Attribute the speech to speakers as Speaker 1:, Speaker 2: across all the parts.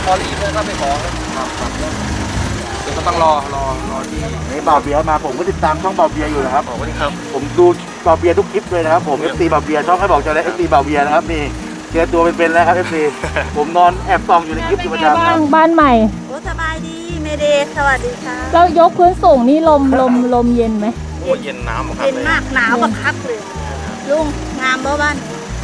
Speaker 1: พอรีบเลยก็ไปขอครับเดี๋ยวก็ต้องรอที่
Speaker 2: นี่บ่าวเบียร์มาผมก็ติดตามช่องบ่าวเบียร์อยู่นะครับ
Speaker 1: สวัสดีครับ
Speaker 2: ผมดูบ่าวเบียร์ทุกคลิปเลยนะครับผม FC บ่าวเบียร์ช่องให้บอกเจ้าแล้ว FC บ่าวเบียร์นะครับนี่เจอตัวเป็นๆแล้วครับ FC ผมนอนแอบส่องอยู่ในคลิปอยู่ประจำครับ
Speaker 3: บ้านใหม่
Speaker 4: โอ้สบายดีเมเดย์สวัสดีค่ะ
Speaker 3: แล้วยกพื้นสูงนี่ลมเย็นไหม
Speaker 1: โอ้เย็นน้ำครับ
Speaker 4: เป็นมากหนาวบักคักเลยลุงงามบ่บ้าน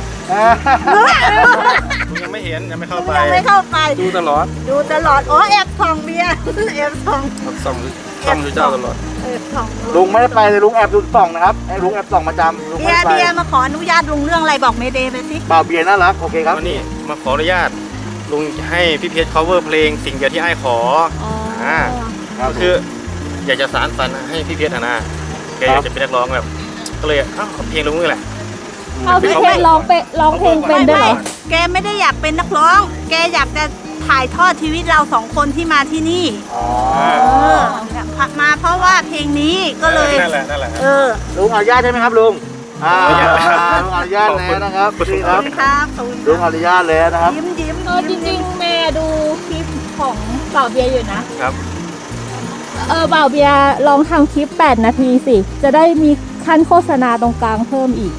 Speaker 1: ผมยังไม่เห็นยังไม่เข้าไป
Speaker 4: ยังไม่เข้าไป
Speaker 1: ดูตลอด
Speaker 4: ดูตลอดอ๋อแอบส่องเบียร์แอบส่อง
Speaker 1: ส่องดูเจ้าตลอด
Speaker 4: แอบส่อง
Speaker 2: ลุงไม่ได้ไปเลยลุงแอบดูส่องนะครับไอ้ลุงแอบส่องประจำลุง
Speaker 4: เบี
Speaker 2: ไม่
Speaker 4: ย
Speaker 2: ได้
Speaker 4: ร์
Speaker 2: ไป
Speaker 4: เบียร์มาขออนุญาตลุงเรื่องอะไรบอกเมเดย์ไปสิ
Speaker 2: บ่าวเบียร์น่ารักโอเคครับ
Speaker 1: วันนี้มาขออนุญาตลุงให้พี่เพชร cover เพลงสิ่งเดียวที่ไอ้ขอ
Speaker 4: อ๋อ
Speaker 2: ครับ
Speaker 1: ก็คืออยากจะสานฝันให้พี่เพชรนะแกอยากจะเป็นนักร้องแบบก็เลยเอาเพลงลุงนี่แหละ
Speaker 3: เอาพี่เพชรร้องเพลงเป็นด้วยเหรอ
Speaker 4: แกไม่ได้อยากเป็นนักร้อง แกอยากจะถ่ายทอดชีวิตเราสองคนที่มาที่นี่
Speaker 2: อ๋อ
Speaker 4: มาเพราะว่าเพลงนี้ก็เลย
Speaker 1: นั่นแหละ
Speaker 2: ลุงอนุญาตใช่ไหมครับลุงลุงอนุญาตแล้วนะครับนี่
Speaker 4: ข
Speaker 2: ค
Speaker 4: อบ
Speaker 2: รับ
Speaker 4: คุณครับขอบคุณ
Speaker 2: ลุงอนุญาตแล้วนะครับ
Speaker 4: ยิ้มยิ้ม
Speaker 3: จริงๆแม่ดูคลิปของบ่าวเบียร์อยู่นะครับ บ่าวเบียร์ลองทำคลิป8 นาทีสิจะได้มีขั้นโฆษณาตรงกลางเพิ่มอีก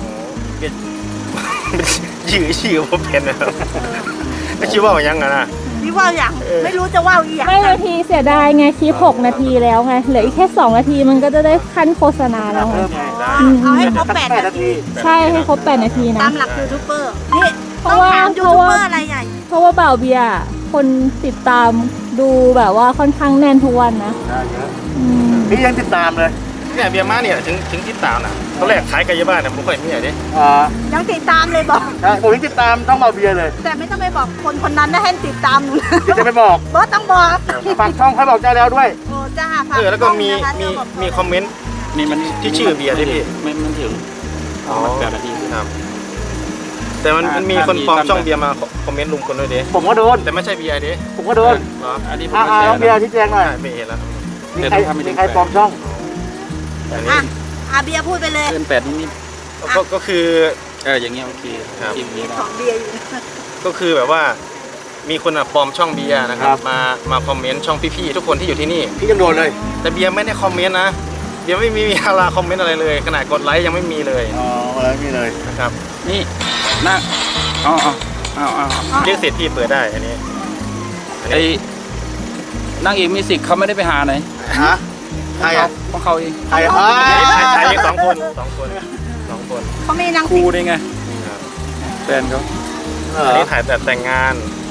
Speaker 1: ชื่อผมเป็นนะครับไม่คิดว่าอย่างนั้นนะ
Speaker 4: พี่ว่าอย่างไม่รู้จะว่าอีกอย่าง
Speaker 3: ไม่นาทีเสียดายไงคลิป6 นาทีแล้วไงเหลืออีกแค่2 นาทีมันก็จะได้ขั้นโฆษณาแล้วไง
Speaker 2: เพิ่มไง
Speaker 4: เอาให้ครบ8 นาที
Speaker 3: ใช่ให้ครบ8 นาทีนะ
Speaker 4: ตามหลักยูทูบเบอร์นี่
Speaker 3: เพ
Speaker 4: ต้อง
Speaker 3: ราะว่า
Speaker 4: ถามยูทูบเบอร์อะไรใหญ่
Speaker 3: เพราะว่าบ่าวเบียร์คนติดตามดูแบบว่าค่อนข้างแน่นทุกวันนะ
Speaker 2: ได้เยอะ
Speaker 3: อืม
Speaker 2: พี่ยังติดตามเลย
Speaker 1: เนี่ยเบียร์มาเนี่ยถึงที่ตามนะตอนแรกขายไก่ย่างบ้านเนี่ยผมเคยมีอะไรดิ
Speaker 4: ยังติดตามเลยบอก
Speaker 2: ใช่ผมยังติดตามต้องบ่าวเบียร์เลย
Speaker 4: แต่ไม่ต้องไปบอกคนคนนั้นนะให้ติดตามหนูนะ
Speaker 2: เดี๋ยวจะไปบอก
Speaker 4: บอสต้องบอก
Speaker 2: ฝากช่องให้บอกเจ้าแล้วด้วย
Speaker 4: โอ้จ้าฝาก
Speaker 1: แล้วก็มี
Speaker 4: ช่องนะคะ
Speaker 1: มี
Speaker 4: เจ้าบอก
Speaker 1: มีคอมเมนต์
Speaker 5: นี่มัน
Speaker 1: ที่ชื่อเบียร์ด้วยพี่
Speaker 5: มันถึง
Speaker 1: อ๋อ
Speaker 5: มัน8 นาที
Speaker 1: ครับแต่มันมีคนปลอมช่องเบียร์มาคอมเมนต์ลุงคนด้วยดิ
Speaker 2: ผมก็โดน
Speaker 1: แต่ไม่ใช่เบียร์ดิ
Speaker 2: ผมก็โดน
Speaker 1: เหรอ
Speaker 5: อันนี้ผม
Speaker 2: น้องเบียร์
Speaker 5: แชร์
Speaker 2: ชี้แจงหน่อย
Speaker 1: ไม่เห็นแล้ว
Speaker 2: มีใครปลอมช่อง
Speaker 1: อัน
Speaker 4: อ่ะ
Speaker 1: นี้
Speaker 4: เบียร์พูดไปเลย
Speaker 5: เกิน8นิด
Speaker 1: ก็คือ
Speaker 5: ๆอย่างเงี้ยโอเค
Speaker 1: ครับ
Speaker 5: ทีมนี้
Speaker 4: ของเบียร์อยู่นะ
Speaker 1: ก็คือแบบว่ามีคนปลอมช่องเบียร์นะครับมาคอมเมนต์ช่องพี่ๆทุกคนที่อยู่ที่นี่
Speaker 2: พี่ยังโดนเลย
Speaker 1: แต่เบียร์ไม่ได้คอมเมนต์นะเบียร์ไม่มีอะไรคอมเมนต์อะไรเลยขนาดกดไลค์ยังไม่มีเลย
Speaker 2: อ๋ออะไรไม่เลย
Speaker 1: นะครับ
Speaker 5: นี่นั่งเอา
Speaker 1: เรียกเสร็จพี่เปิดได้อันนี้
Speaker 5: ไอ้นั่งเอกมิวสิกเขาไม่ได้ไปหาไหน
Speaker 2: ฮะใครอ่ะ
Speaker 5: ของเขาเอง
Speaker 2: ใครอ่ะ
Speaker 1: ถ่ายสองคน
Speaker 4: เขาไม่นั่ง
Speaker 5: ครู
Speaker 4: ติด
Speaker 5: ได้ไงแฟนเขา
Speaker 1: อันนี้ถ่ายแบบแต่งงาน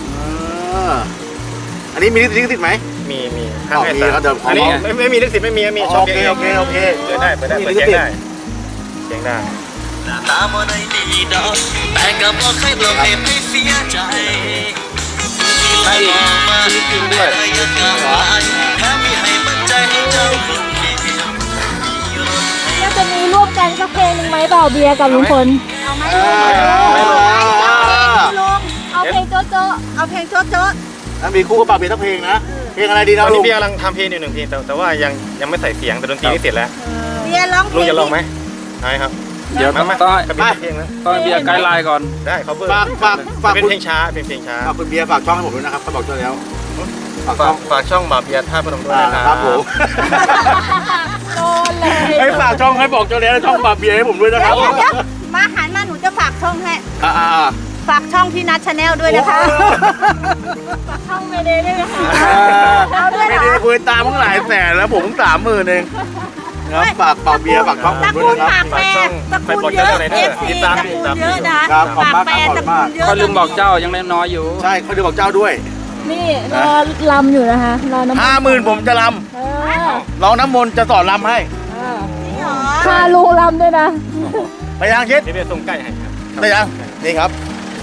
Speaker 2: อันนี้มีลิขสิทธิ์ไหม
Speaker 1: มีข้างให้
Speaker 2: มี
Speaker 1: สาม
Speaker 2: ครับเดี๋ยว
Speaker 1: อันนี้ไม่มีลิขสิทธิ์ไม่มีช่อง
Speaker 2: โอเค
Speaker 1: เดียว
Speaker 2: โอเคโอเค
Speaker 1: เปิดได้เปิด
Speaker 2: มี
Speaker 1: เสี
Speaker 2: ลิ
Speaker 1: ย
Speaker 2: ข
Speaker 1: ง
Speaker 2: สิท
Speaker 1: ได้
Speaker 2: ธิ์
Speaker 1: เสียงได้
Speaker 6: ตาบ่ได้ดีดอกแต่ก็บ่เคยบอกเหตุให้เสียใจให้มองมาได้ยังกำไรแค่มีให้มั่นใจให้เจ้าคนเดียวมีรถให้
Speaker 3: ก็จะมีร่วมกันสักเพลงหนึ่งไหมบ่าวเบียร์กับลุงพล
Speaker 4: เอาไหม
Speaker 1: ไม่ลง
Speaker 4: ลง
Speaker 3: เอาเพลงโจ๊ะโจ๊ะ
Speaker 4: เอาเพลงโจ๊ะโจ๊ะ
Speaker 2: แล้วมีคู่กับปากเบียร์ทั้งเพลงนะเพลงอะไรดี
Speaker 1: ต
Speaker 2: นะ
Speaker 1: อน
Speaker 2: ลุ
Speaker 1: นี้
Speaker 2: ง
Speaker 1: พี่กำลังทำเพลงอยู่1 เพลงแต่ว่ายังไม่ใส่เสียงแต่ดนตรีนี่เสร็จแล้ว
Speaker 4: เบียร์ร้องเพล
Speaker 1: ลุง
Speaker 4: ง
Speaker 1: จะลองไหมใช่ครับ
Speaker 5: เดี๋ยวต้อง
Speaker 1: กระบี่เพลงนะ
Speaker 5: ต้องให้เบียร์ไกด์ไลน์ก่อน
Speaker 1: ได้ cover
Speaker 2: ฝาก
Speaker 1: เป็น
Speaker 2: คุณ
Speaker 1: เพลงช้าเป็นเพลงช้า
Speaker 2: ฝากคุณเบียร์ฝากช่องให้ผมด้วยนะครับเขาบอกเจ้าแล้วฝากช่อง
Speaker 1: ฝากช่องบาเบียร์ท่าพนมด้วยนะ
Speaker 2: ครับผม
Speaker 3: โดนเลย
Speaker 2: ให้ฝากช่องให้บอกเจ้าแล้วช่องปากเบียร์ให้ผมด้วยนะครับ
Speaker 4: เดี๋ยวมาหันมาหนูจะฝากช่องให้ ฝากช่องพี่นัทชาแนลด้วยนะคะ
Speaker 3: ฝากช่องเมเดย์ด้วยนะคะ
Speaker 4: เอาด้วย
Speaker 2: ไม่
Speaker 4: เหร
Speaker 2: ได้
Speaker 4: อ
Speaker 2: คุยตามตั้งหลายแสนแล้วผม30,000เองครับฝากปากเบียร์ฝากช่องผ
Speaker 4: ตระ
Speaker 2: มด้
Speaker 4: กู
Speaker 2: วย
Speaker 4: ล
Speaker 2: นะครับ
Speaker 4: ปากแปรตระกูลเยอะเอฟซีตระกูลเยอะนะครับ
Speaker 2: ขอบ
Speaker 4: ปาก
Speaker 2: มาก
Speaker 4: แปร
Speaker 2: ครับ
Speaker 4: ตระกูลเยอะ
Speaker 5: เขาลืมบอกเจ้ายังเล่นน้อยอยู่
Speaker 2: ใช่เขาจะบอกเจ้าด้วย
Speaker 3: นี่รอลำอยู่นะคะรอน้ำ
Speaker 2: 50,000ผมจะล
Speaker 3: เออ
Speaker 2: ำร้องน้ำมนต์จะสอนลำให้
Speaker 3: เออ
Speaker 4: นี่เหรอ
Speaker 3: พาลุงลำด้วยนะ
Speaker 2: ไปยังชิด
Speaker 1: เดี๋ยวส่งใกล้ให้ครับ
Speaker 2: ไปยังนี่ครับ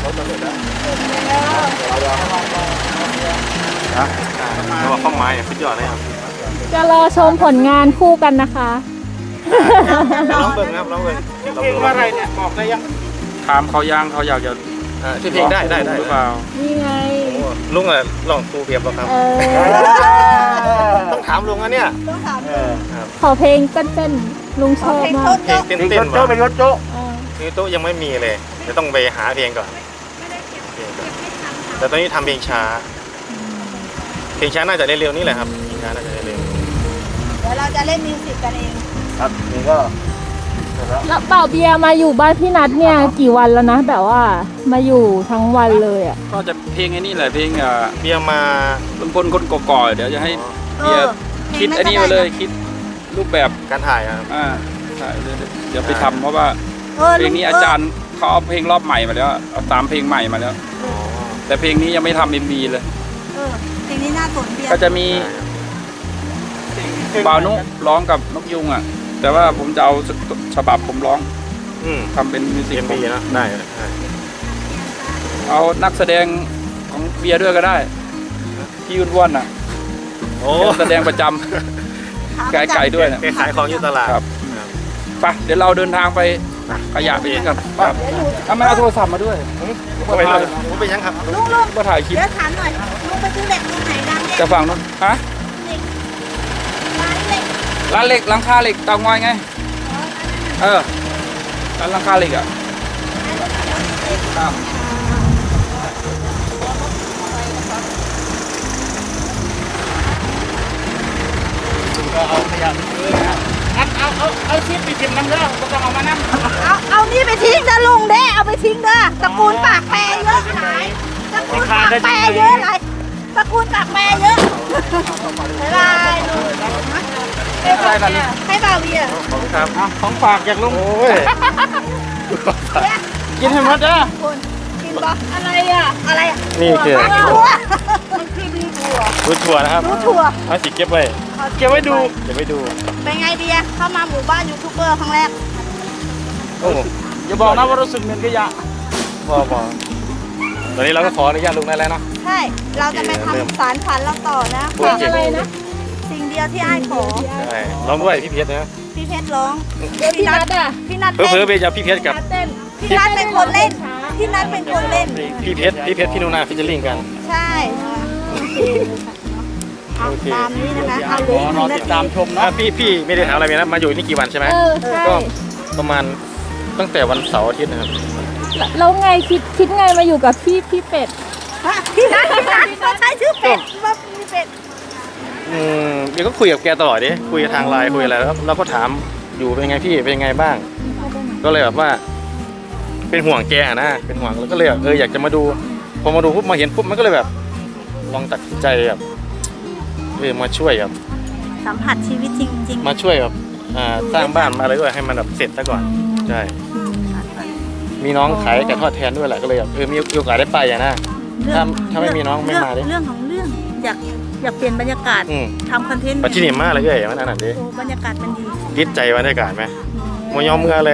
Speaker 1: เพราะว่าข้อไม้สุดยอดเลยครับ
Speaker 3: จะรอชมผลงานคู่กันนะคะ
Speaker 1: ร้องเบิ่งครับร้องเบิ่ง
Speaker 2: เพลงว่าอะไรเนี่ยบอกได้ยัง
Speaker 5: ถามเขายังเขาอยากจะ
Speaker 1: ชื่อเพลงได้
Speaker 5: หรือเปล่า
Speaker 3: นี่ไง
Speaker 1: ลุงอะลองครูเบียร์ป่ะครับ
Speaker 3: เออ
Speaker 1: ต้องถามลุงนะเนี่ย
Speaker 4: ต้องถาม
Speaker 3: ขอเพลงเต้นๆลุงชอบ
Speaker 4: เพลง
Speaker 3: มา
Speaker 4: โจ๊ะ
Speaker 1: เพลง
Speaker 4: โจ๊ะ
Speaker 1: เต้น
Speaker 2: โจ๊ะเป็นโจ๊ะโจ๊ะ
Speaker 3: เออ
Speaker 1: เพลงโต๊ะยังไม่มีเลยจะต้องไปหาเพลงก่อนแต่ตอนนี้ทำเพลงช้าเพลงช้าน่าจะเร็วๆนี่แหละครับเพลงช้าน่าจะเร็ว
Speaker 4: เดี๋ยวเราจะเล่นมิวสิกกันเอง
Speaker 2: ครับนี่ก็เสร็จแล้ว
Speaker 3: แล้วเป่าเบียร์มาอยู่บ้านพี่นัทเนี่ยกี่วันแล้วนะแบบว่ามาอยู่ทั้งวันเลยอ่ะ
Speaker 5: ก็จะเพลงไอ้นี่แหละเพลง
Speaker 1: ๆเบียร์มา
Speaker 5: ลุงพลคนก่อๆเดี๋ยวจะให้เบียร์คิดไอ้นี่มาเลยคิดรูปแบบ
Speaker 1: การถ่ายครับ
Speaker 5: ใช่เดี๋ยวไปทำเพราะว่าเพลงนี้อาจารย์เขาเอาเพลงรอบใหม่มาแล้วเอาตามเพลงใหม่มาแล้ว แต่เพลงนี้ยังไม่ทำ MV เลย
Speaker 4: เพลงนี้น่าสนเบียร์
Speaker 5: ก็จะมีบ่าวนุร้องกับนกยุงอ่ะแต่ว่าผมจะเอาฉบับผมร้องทำเป็นมิวสิก
Speaker 1: MV นะได้
Speaker 5: เอานักแสดงของเบียร์ด้วยก็ได้พี่ยุ่นว่อนอ่ะ
Speaker 1: โอ้
Speaker 5: แสดงประจำไก่ด้วยนะ
Speaker 1: แกขายของอยู่ตลาด
Speaker 5: ครับไปเดี๋ยวเราเดินทางไปขยะไปทิ้งกันครับเอามาเอาโทรศัพท์มาด้วย
Speaker 1: ไปเลยผมไปยังครับ
Speaker 4: ลุง
Speaker 5: มาถ่ายคลิป
Speaker 4: เดี๋ยวถามหน่อยลุงไปซื้อเหล็กตรงไหนดังเนี่ย
Speaker 5: จะฝั่งนู้นฮะ
Speaker 4: ร้านเหล็ก
Speaker 5: ร้านเหล็กหลังคาเหล็กเตางอยไงร้านหลังคาเหล็กอ่ะครับ
Speaker 2: ก็เอาขยะไปทิ้งนะเอาชิปไปทิ้งน้ำเด้อก็ต้องเอามานั่ง
Speaker 4: เอานี่ไปทิ้งนะลุงเด้เอาไปทิ้งเด้อตระกูลปากแปรเยอะหลายตระกูลปากแปรเยอะหลายตระกูลปากแปรเยอะบ๊ายบายลุงให้บ่าวเบียร์
Speaker 1: ครับ
Speaker 2: ของฝากจากลุง
Speaker 1: โอ้ย
Speaker 2: กินให้หมดเด้อ
Speaker 4: คุณกินบ่อะไรอ่ะอะไรอ่ะ
Speaker 1: นี่คือ
Speaker 4: ถั่ว
Speaker 1: รู้ถั่วนะครับ
Speaker 4: รู้ถั่ว
Speaker 1: เอาสิเก็บไว้
Speaker 2: เก็บไว้ดู
Speaker 1: เก็บไว้ดู
Speaker 4: เป็นไงเบียร์เข้ามาหมู่บ้านยูทูบเบอร์ครั้งแรก
Speaker 1: โอ้
Speaker 2: อย่าบอกนะว่ารู้สึกเหม็นขยะ
Speaker 1: พอตอนนี้เราก็ขออนุญาตลุงได้แล้วเนาะ
Speaker 4: ใช่เราจะไปทำสารฝันเราต่อนะ
Speaker 1: พูดจริง
Speaker 3: อะไรนะ
Speaker 4: สิ่งเดียวที่อ้ายขอ
Speaker 1: ใช่ร้องด้วยพี่เพชรนะ
Speaker 4: พี่เพชรร้อง
Speaker 3: พี่นัทอ่ะ
Speaker 4: พี่นัท
Speaker 1: เผล
Speaker 4: เต้
Speaker 1: อน ๆไปจะพี่เพชรกับ
Speaker 3: เต้น
Speaker 4: พี่นัทเป็นคนเล่นพี่นัทเป็นคนเล่น
Speaker 1: พี่เพชรพี่นูนาฟิชเชอร์ลิงกัน
Speaker 4: ใช่เอา
Speaker 1: โอเค
Speaker 4: ตามนี้นะคะเอา
Speaker 2: ขอรอติดตามชม
Speaker 1: อ่ะ
Speaker 2: เนาะ
Speaker 1: พี่ไม่ได้ถามอะไรเลยนะมาอยู่นี่กี่วันใช่ไหม
Speaker 3: ใช่
Speaker 1: ก็ประมาณตั้งแต่วันเสาร์อาทิตย์นะครับ
Speaker 3: แล้วไงคิดไงมาอยู่กับพี่เป็ด
Speaker 4: พี่นัทเขาใช้ชื่อเป็ดว่ามีเป็ด
Speaker 1: เดี๋ยวก็คุยกับแกตลอดดิคุยทางไลน์คุยอะไรแล้วเราก็ถามอยู่เป็นไงพี่เป็นไงบ้าง ก็เลยแบบว่า เป็นห่วงแกนะเป็นห่วงแล้วก็เลยแบบอยากจะมาดูพอมาดูปุ๊บมาเห็นปุ๊บมันก็เลยแบบลองตัดสินใจแบบมาช่วยแบบ
Speaker 4: สัมผัสชีวิตจริง
Speaker 1: มาช่วยแบบสร้างบ้านมาอะไรด้วยให้มันแบบเสร็จซะก่อนใช่มีน้องขายไก่ทอดแทนด้วยแหละก็เลยแบบมีโอกาสได้ไปนะ ถ้าไม่มีน้องไม่มาดิ
Speaker 4: เรื่องของเรื่องอยากเปลี่ยนบรรยากาศทำคอนเทนต์
Speaker 1: ปัจจุบันมากเลยมันอันนั้นดิ
Speaker 4: โอ้บรรยากาศมันดี
Speaker 1: ยึดใจบรรยากาศไหมมายอมเมื่อเลย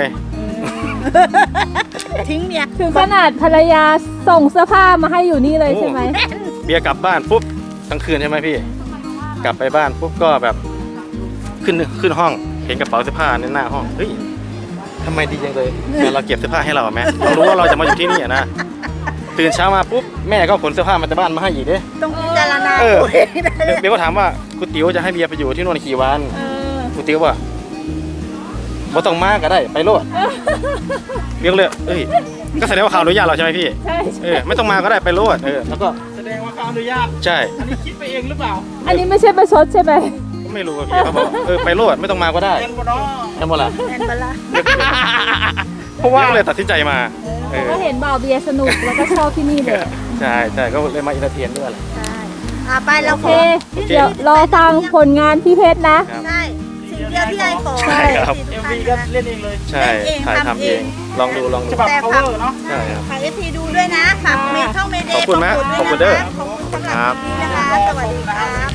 Speaker 4: ทิ้งเมีย
Speaker 3: ถึงขนาดภรรยาส่งเสื้อผ้ามาให้อยู่นี่เลยใช่ไหม
Speaker 1: เบียร์กลับบ้านปุ๊บทั้งคืนใช่ไหมพี่ กลับไปบ้านปุ๊บก็แบบขึ้นห้องเห็นกระเป๋าเสื้อผ้าในหน้าห้องเฮ้ยทำไมดีจังเลยเดี๋ยวเราเก็บเสื้อผ้าให้เราไหมเรารู้ว่าเราจะมาอยู่ที่นี่นะตื่นเช้ามาปุ๊บแม่ก็ขนเสื้อผ้ามาจากบ้านมาให้อีกเด้
Speaker 4: ต้องพิจารณา
Speaker 1: เออ
Speaker 4: ตัวเองได้เลย
Speaker 1: เบียร์ก็ถามว่าคุณติ๋วจะให้เบียร์ไปอยู่ที่นู่นกี่วันคุณติ๋วว่าบ่ต้องมาก็ได้ไปโลดเบียร์ก็เลยก็แสดงว่าเขาอนุญาตเราใช่ไหมพี่
Speaker 3: ใช่
Speaker 1: ไม่ต้องมาก็ได้ไปโลดแล้วก็
Speaker 2: แสดงว่าเขาอนุญาต
Speaker 1: ใช่
Speaker 2: อันนี้คิดไปเองหรือเปล่า
Speaker 3: อันนี้ไม่ใช่ประชดใช่ไหม
Speaker 1: ก็ไม่รู้อะพี่เขาบอกไปโลดไม่ต้องมาก็ได้
Speaker 2: เงินบ่เนาะ
Speaker 1: แค่บ่ล่ะ
Speaker 4: แอนเบลล่า
Speaker 1: เพราะว่าเลยตัดสินใจมา
Speaker 3: ก็เห็นบ่าวเบียร์สนุกแล้วก็ชอบที่นี่เลย
Speaker 1: ใช่ก็เลยมาอินเตอร์เทนด้วยแหละ
Speaker 4: ใช่ไปเรา
Speaker 3: โอ
Speaker 4: ข
Speaker 3: เค
Speaker 4: อ
Speaker 3: เดี๋ยวรอฟังผลงานพี่เพชรนะ
Speaker 4: ใช่สิ่งเดียวที่ไอ้ขอ
Speaker 1: ใช่ครับ
Speaker 2: เอ็มวีก็เล่นเองเลย
Speaker 1: ใช่ถ่ายทำเองลองดู
Speaker 2: ฉบับ cover เนาะ
Speaker 1: ใช่ครับ
Speaker 4: ฝากFT ดูด้วยนะฝากเมย์ช่องเมเดย์
Speaker 1: ขอบคุณนะขอบคุณเด้อ
Speaker 4: ขอบคุณสำหรับวันนี้นะคะ สวัสดีค่ะ